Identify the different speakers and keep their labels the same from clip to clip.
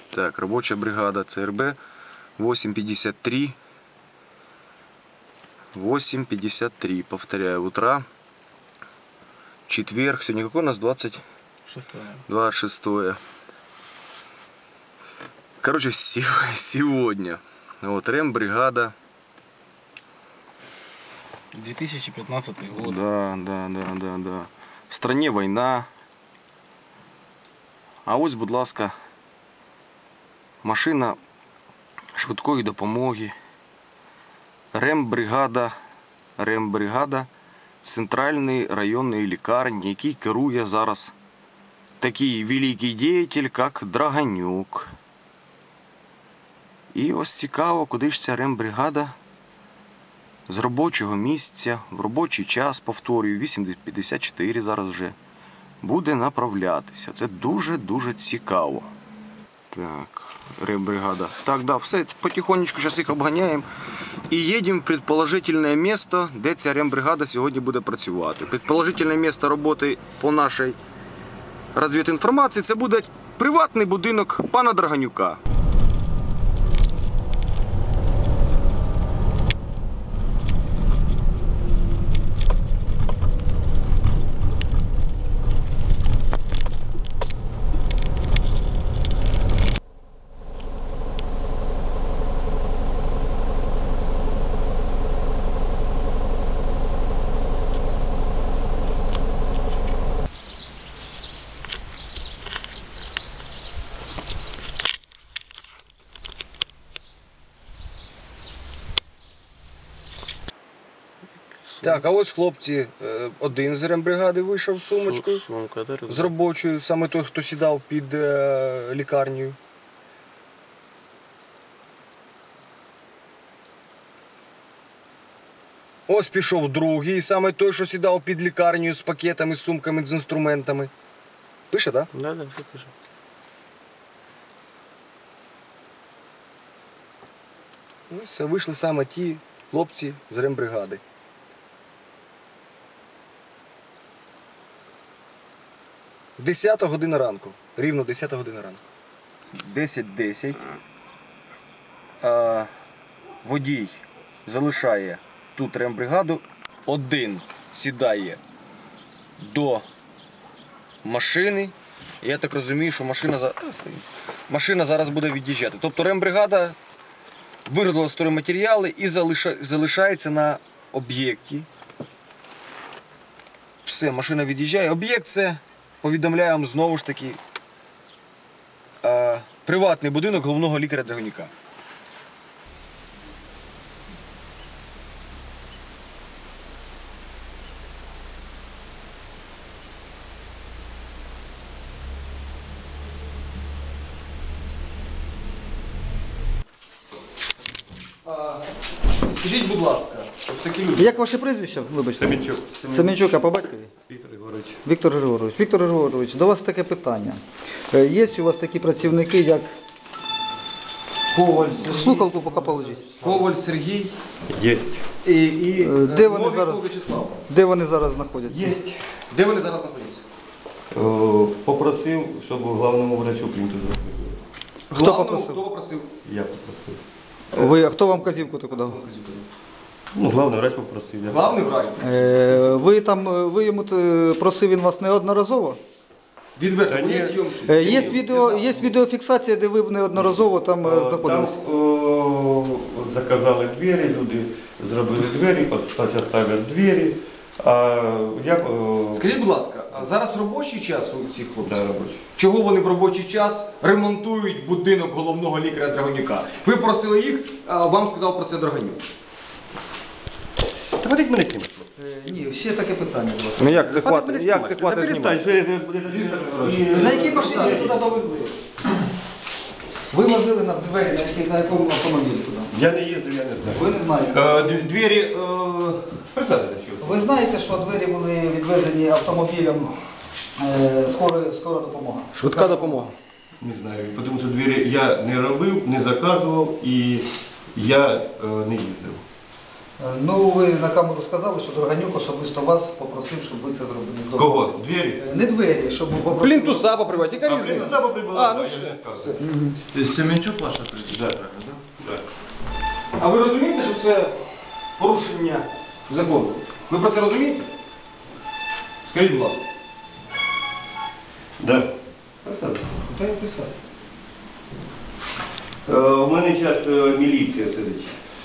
Speaker 1: Так, робоча бригада ЦРБ 8:53. 8:53, повторяю, утра. Четверг. Сегодня какой у нас? 26. Короче, сегодня. Вот, рембригада.
Speaker 2: 2015 год.
Speaker 1: Да. В стране война. А ось, будь ласка, машина швидкої допомоги. Рембригада центральної районної лікарні, який керує зараз такий великий діятель, як Драганюк. І ось цікаво, куди ж ця рембригада з робочого місця, в робочий час, повторюю, 8:54 зараз вже, буде направлятися. Це дуже-дуже цікаво. Так, рембригада. Так, да, все, потихонечку зараз їх обганяємо. І їдемо в предположительне місце, де ця рембригада сьогодні буде працювати. Предположительне місце роботи по нашій розвідінформації, це буде приватний будинок пана Драганюка. Так, а ось хлопці, один з рембригади вийшов з сумочкою, з робочою, саме той, хто сідав під лікарнею. Ось пішов другий, саме той, що сідав під лікарнею з пакетами, з сумками, з інструментами. Пише, так?
Speaker 2: Да, все пише.
Speaker 1: Ось вийшли саме ті хлопці з рембригади. Десята година ранку. Рівно 10 година ранку. 10:10. Водій залишає тут рембригаду. Один сідає до машини. Я так розумію, що машина зараз буде від'їжджати. Тобто рембригада виготовила стройматеріали і залишається на об'єкті. Все, машина від'їжджає. Об'єкт це, повідомляю вам знову ж таки, приватний будинок головного лікаря Драганюка. Скажіть, будь ласка, ось такі люди.
Speaker 3: Як ваше прізвище? Вибачте.
Speaker 4: Семенчук.
Speaker 3: Семенчук, а по батькові?
Speaker 4: Віктор Григорович.
Speaker 3: Віктор Григорович. Віктор Григорович, до вас таке питання. Є у вас такі працівники, як
Speaker 1: Коваль Сергій.
Speaker 3: слухалку поки положіть.
Speaker 1: Коваль Сергій.
Speaker 4: Єсть.
Speaker 1: І
Speaker 3: Де вони
Speaker 1: Новіков
Speaker 3: зараз?
Speaker 1: Вячеслав.
Speaker 3: Де вони зараз знаходяться?
Speaker 4: Єсть.
Speaker 1: Де вони зараз знаходяться?
Speaker 4: Попросив, щоб главному врачу плінтус закрили.
Speaker 3: Хто попросив?
Speaker 1: Хто попросив?
Speaker 4: Я попросив.
Speaker 3: А хто вам казівку таку дав?
Speaker 4: Ну, главний врач попросив. Я.
Speaker 1: Главний врач.
Speaker 3: Ви йому просив він вас неодноразово?
Speaker 1: Відверто,
Speaker 4: Та ні.
Speaker 1: є зйомки.
Speaker 3: Є відеофіксація, де ви неодноразово там
Speaker 4: Там
Speaker 3: знаходилися?
Speaker 4: заказали двері, люди зробили двері, зараз ставлять двері. А я...
Speaker 1: Скажіть, будь ласка, а зараз робочий час у цих хлопців?
Speaker 4: Да, робочий.
Speaker 1: Чого вони в робочий час ремонтують будинок головного лікаря Драганюка? Ви просили їх, а вам сказав про це Драганюк.
Speaker 4: Та ходіть мене знімати.
Speaker 3: Ні, ще таке питання. Будь ласка.
Speaker 1: Ну як це
Speaker 4: Хватить мене знімати. Та перестань, що я...
Speaker 3: На якій машині ви туди довезли? Ви возили на двері, на якому автомобілі туди?
Speaker 4: Я не їздив, я не знаю.
Speaker 3: Ви не знаєте.
Speaker 4: Двері... Присадите, що?
Speaker 3: Ви знаєте, що двері були відвезені автомобілем скора допомога?
Speaker 1: Швидка допомога.
Speaker 4: Не знаю, тому що двері я не робив, не заказував і я не їздив.
Speaker 3: Ну, ви на камеру сказали, що Драганюк особисто вас попросив, щоб ви це зробили.
Speaker 4: Кого? Двери?
Speaker 3: Не двері, щоб попросив.
Speaker 1: Плінтуса попривати, яка різниця?
Speaker 4: Саба прибыла.
Speaker 1: А, ну все.
Speaker 5: Семенчук ваша
Speaker 4: Да.
Speaker 5: правильно, да?
Speaker 4: Да.
Speaker 1: А ви розумієте, що це порушення закону? Ви про це розумієте? Скажіть, будь ласка.
Speaker 4: Да.
Speaker 3: Та я писав.
Speaker 4: У мене зараз міліція сидить.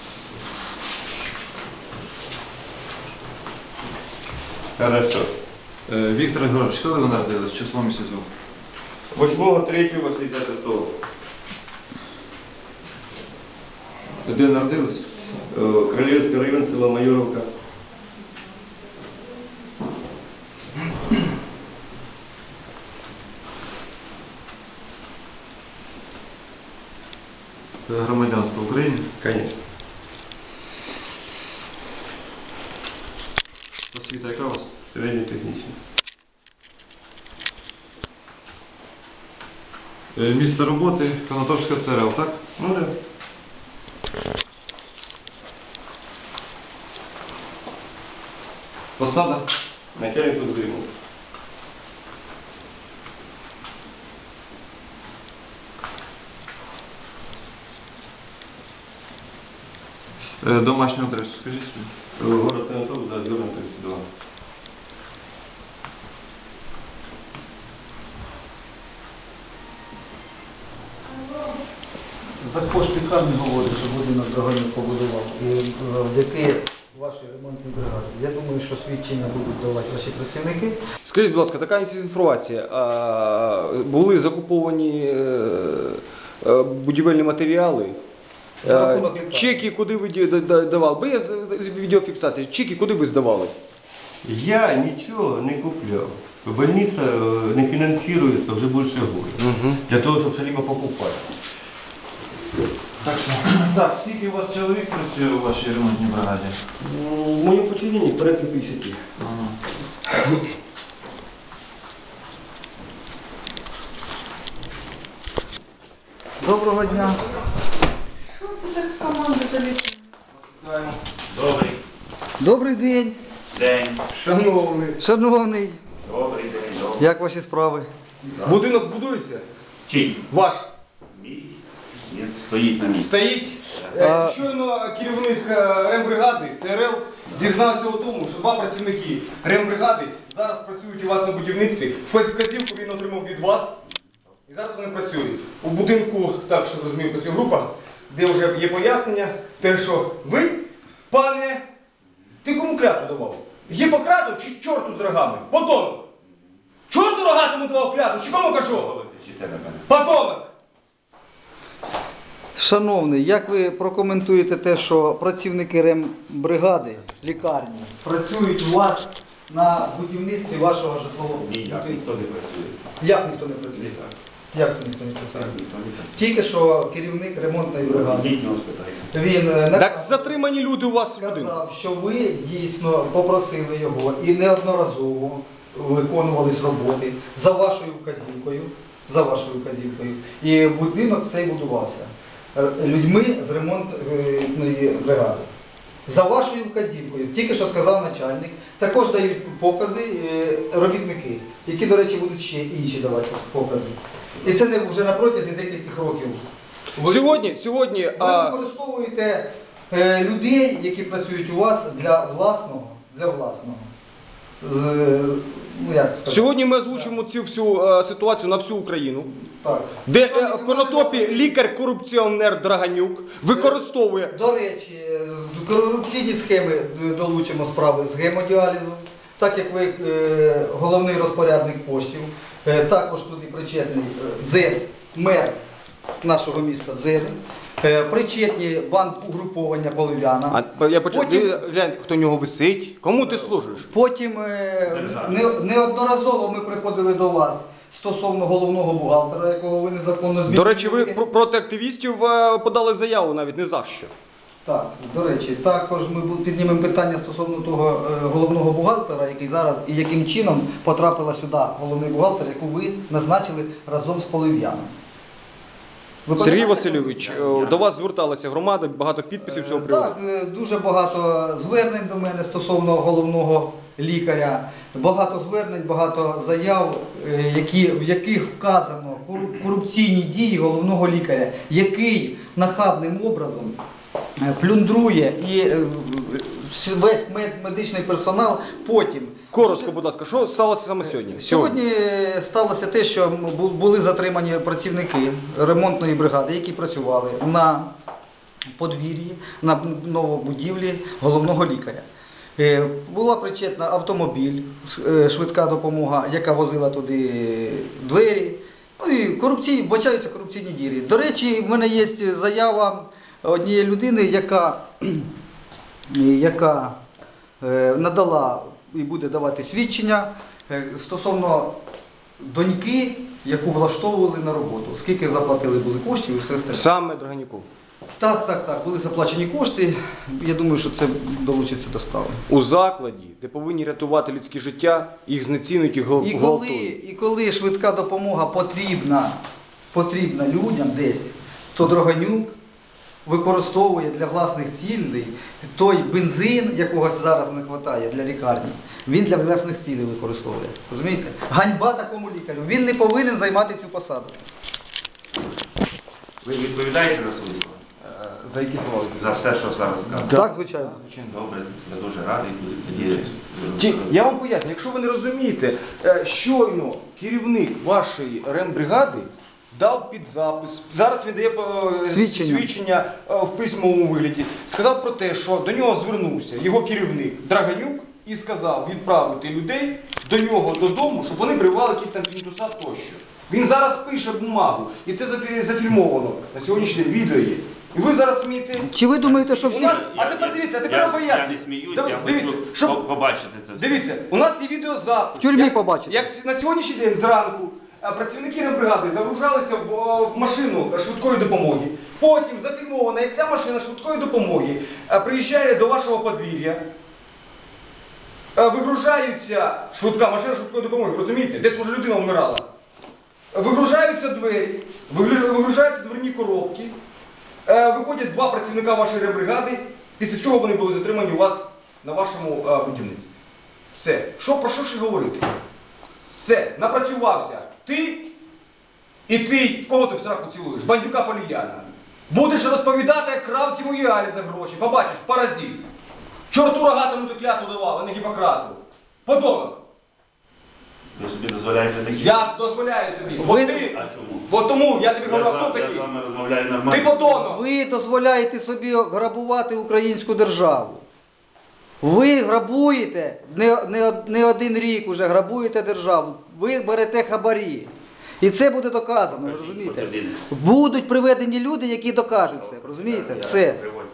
Speaker 4: Хорошо.
Speaker 5: Віктор Григорович, коли ви народились? Число місяцю?
Speaker 4: 8.3.86.
Speaker 5: Де народились?
Speaker 4: Королевский район, село Майоровка.
Speaker 5: Громадянство України.
Speaker 4: Конечно.
Speaker 5: Освіта яка у вас?
Speaker 4: Середньотехнічно.
Speaker 5: Місце роботи Конотопська ЦРЛ, так?
Speaker 4: Ну да.
Speaker 5: Посада?
Speaker 4: Начальник службы ремонта.
Speaker 5: Домашню адресу, скажіть собі.
Speaker 4: Город Конотоп, Заозерный, 32.
Speaker 3: За кошти лікарні говорить, що будинок Драганюк побудував. І завдяки вашій ремонтній бригаді. Я думаю, що свідчення будуть давати ваші працівники.
Speaker 1: Скажіть, будь ласка, така інформація. Були закуповані будівельні матеріали.
Speaker 3: За рахунок лікарні.
Speaker 1: Чеки куди ви давали? Бо є відеофіксація. Чеки куди ви здавали?
Speaker 4: Я нічого не купляв. Больниця не фінансується вже більше року. Для того, щоб все-либо покупати.
Speaker 5: Так, що? Так, скільки у вас чоловік працює у вашій ремонтній бригаді?
Speaker 4: В моєму подчиненні порядка 50.
Speaker 3: Доброго дня.
Speaker 6: Що це за команда залітає?
Speaker 3: Добрий день,
Speaker 7: День.
Speaker 1: Шановний.
Speaker 3: шановний.
Speaker 7: Добрий день. Добрий.
Speaker 3: Як ваші справи?
Speaker 1: Будинок будується?
Speaker 7: Чий?
Speaker 1: Ваш.
Speaker 7: Мій? Ні, стоїть на місці.
Speaker 1: Стоїть. Щойно керівник рембригади ЦРЛ зізнався у тому, що два працівники рембригади зараз працюють у вас на будівництві. Вказівку він отримав від вас. І зараз вони працюють. У будинку, так що розумію, працює група, де вже є пояснення, те, що ви, пане, ти кому клятву давав? Гіппократу чи чорту з рогами? Потонок! Чорту рогатому давав клятву, чи кому кажу?
Speaker 7: Ви кричите на мене.
Speaker 1: Потонок!
Speaker 3: Шановний, як ви прокоментуєте те, що працівники рембригади, лікарні, працюють у вас на будівництві вашого житлового
Speaker 7: Ніяк
Speaker 3: будинку?
Speaker 7: ніхто не працює.
Speaker 3: Як ніхто не працює?
Speaker 7: Ніяк.
Speaker 3: Як це ніхто не
Speaker 7: Так,
Speaker 3: працює?
Speaker 7: ніхто не працює.
Speaker 3: Тільки що керівник ремонтної бригади.
Speaker 7: Ідіть нього спитайте.
Speaker 3: Він
Speaker 1: Так затримані люди у вас в будинку.
Speaker 3: сказав, що ви дійсно попросили його і неодноразово виконувались роботи за вашою вказівкою. За вашою вказівкою. І будинок цей будувався людьми з ремонтної бригади. За вашою вказівкою, тільки що сказав начальник, також дають покази робітники, які, до речі, будуть ще інші давати покази. І це не вже на протязі декількох років.
Speaker 1: Сьогодні
Speaker 3: Ви використовуєте людей, які працюють у вас для власного. Ну, як сказати?
Speaker 1: Сьогодні ми озвучимо цю всю ситуацію на всю Україну,
Speaker 3: Так.
Speaker 1: де в Конотопі лікар-корупціонер Драганюк використовує.
Speaker 3: До речі, корупційні схеми долучимо справи з гемодіалізу, так як ви головний розпорядник коштів, також туди причетний Дзен, мер нашого міста Дзен, причетні банд угруповання Полив'яна.
Speaker 1: Я почав,
Speaker 3: Потім-
Speaker 1: глянь, хто в нього висить. Кому ти служиш?
Speaker 3: Потім неодноразово ми приходили до вас стосовно головного бухгалтера, якого ви незаконно звільнили.
Speaker 1: До речі, ви проти активістів подали заяву навіть не за що.
Speaker 3: Так, до речі, також ми піднімемо питання стосовно того головного бухгалтера, який зараз і яким чином потрапила сюди головний бухгалтер, яку ви назначили разом з Полив'яном. Ви
Speaker 1: Сергій
Speaker 3: пам'ятаєте?
Speaker 1: Васильович, до вас зверталася громада, багато підписів цього приводу.
Speaker 3: Так, дуже багато звернень до мене стосовно головного лікаря. Багато звернень, багато заяв, в яких вказано корупційні дії головного лікаря, який нахабним образом плюндрує і весь медичний персонал потім.
Speaker 1: Коротко, будь ласка, що сталося саме сьогодні?
Speaker 3: Сьогодні сталося те, що були затримані працівники ремонтної бригади, які працювали на подвір'ї, на новобудівлі головного лікаря. Була причетна автомобіль, швидка допомога, яка возила туди двері. Ну і вбачаються корупційні дії. До речі, в мене є заява однієї людини, яка надала і буде давати свідчення стосовно доньки, яку влаштовували на роботу. Скільки заплатили були коштів і все остальне.
Speaker 1: Саме Драганюку.
Speaker 3: Так, були заплачені кошти. Я думаю, що це долучиться до справи.
Speaker 1: У закладі, де повинні рятувати людське життя, їх знецінують і гвалтують.
Speaker 3: І коли швидка допомога потрібна людям десь, то Драганюк використовує для власних цілей той бензин, якого зараз не вистачає для лікарні, він для власних цілей використовує. Розумієте? Ганьба такому лікарю. Він не повинен займати цю посаду.
Speaker 7: Ви відповідаєте за свої слова?
Speaker 1: За які слова?
Speaker 7: За все, що зараз сказано?
Speaker 3: Так, звичайно.
Speaker 7: Добре, я дуже радий. Тоді
Speaker 1: Я вам поясню, якщо ви не розумієте, щойно керівник вашої рембригади дав під запис, зараз він дає свідчення в письмовому вигляді, сказав про те, що до нього звернувся його керівник Драганюк і сказав відправити людей до нього додому, щоб вони прививали якісь там плінтуса тощо. Він зараз пише бумагу, і це зафільмовано на сьогоднішній день, відео є. І ви зараз смієтесь.
Speaker 3: Чи ви думаєте, що всі...
Speaker 1: А тепер дивіться, тепер я поясню.
Speaker 7: Я не сміюсь, я
Speaker 1: Дивіться,
Speaker 7: хочу побачити це все.
Speaker 1: Дивіться, у нас є відеозапис.
Speaker 3: В тюрмі побачите.
Speaker 1: Як на сьогоднішній день зранку працівники рембригади загружалися в машину швидкої допомоги. Потім зафільмовано, як ця машина швидкої допомоги приїжджає до вашого подвір'я. Вигружаються машина швидкої допомоги, розумієте? Десь може людина вмирала. Вигружаються двері, вигружаються дверні коробки. Виходять два працівника вашої рембригади, після чого вони були затримані у вас на вашому будівництві. Все. Про що ще говорити? Все, напрацювався. Ти і ти, кого ти в сраку цілуєш? Бандюка Поліяна. Будеш розповідати, як крав з гемоїалі за гроші. Побачиш, паразит. Чорту рогатому ти клятву давав, а не Гіппократу. Подонок.
Speaker 7: Ви собі дозволяєте такі?
Speaker 1: Я дозволяю собі.
Speaker 3: Ви-
Speaker 1: Ти.
Speaker 7: А чому?
Speaker 1: Бо тому я тобі говорю,
Speaker 7: Я
Speaker 1: хто
Speaker 7: з
Speaker 1: такий?
Speaker 7: вами розмовляю нормально.
Speaker 1: Ти подонок.
Speaker 3: Ви дозволяєте собі грабувати українську державу. Ви грабуєте, не один рік уже грабуєте державу. Ви берете хабарі. І це буде доказано, ви розумієте?
Speaker 7: Подтвердіть.
Speaker 3: Будуть приведені люди, які докажуть це, розумієте? Все.
Speaker 7: Приводьте.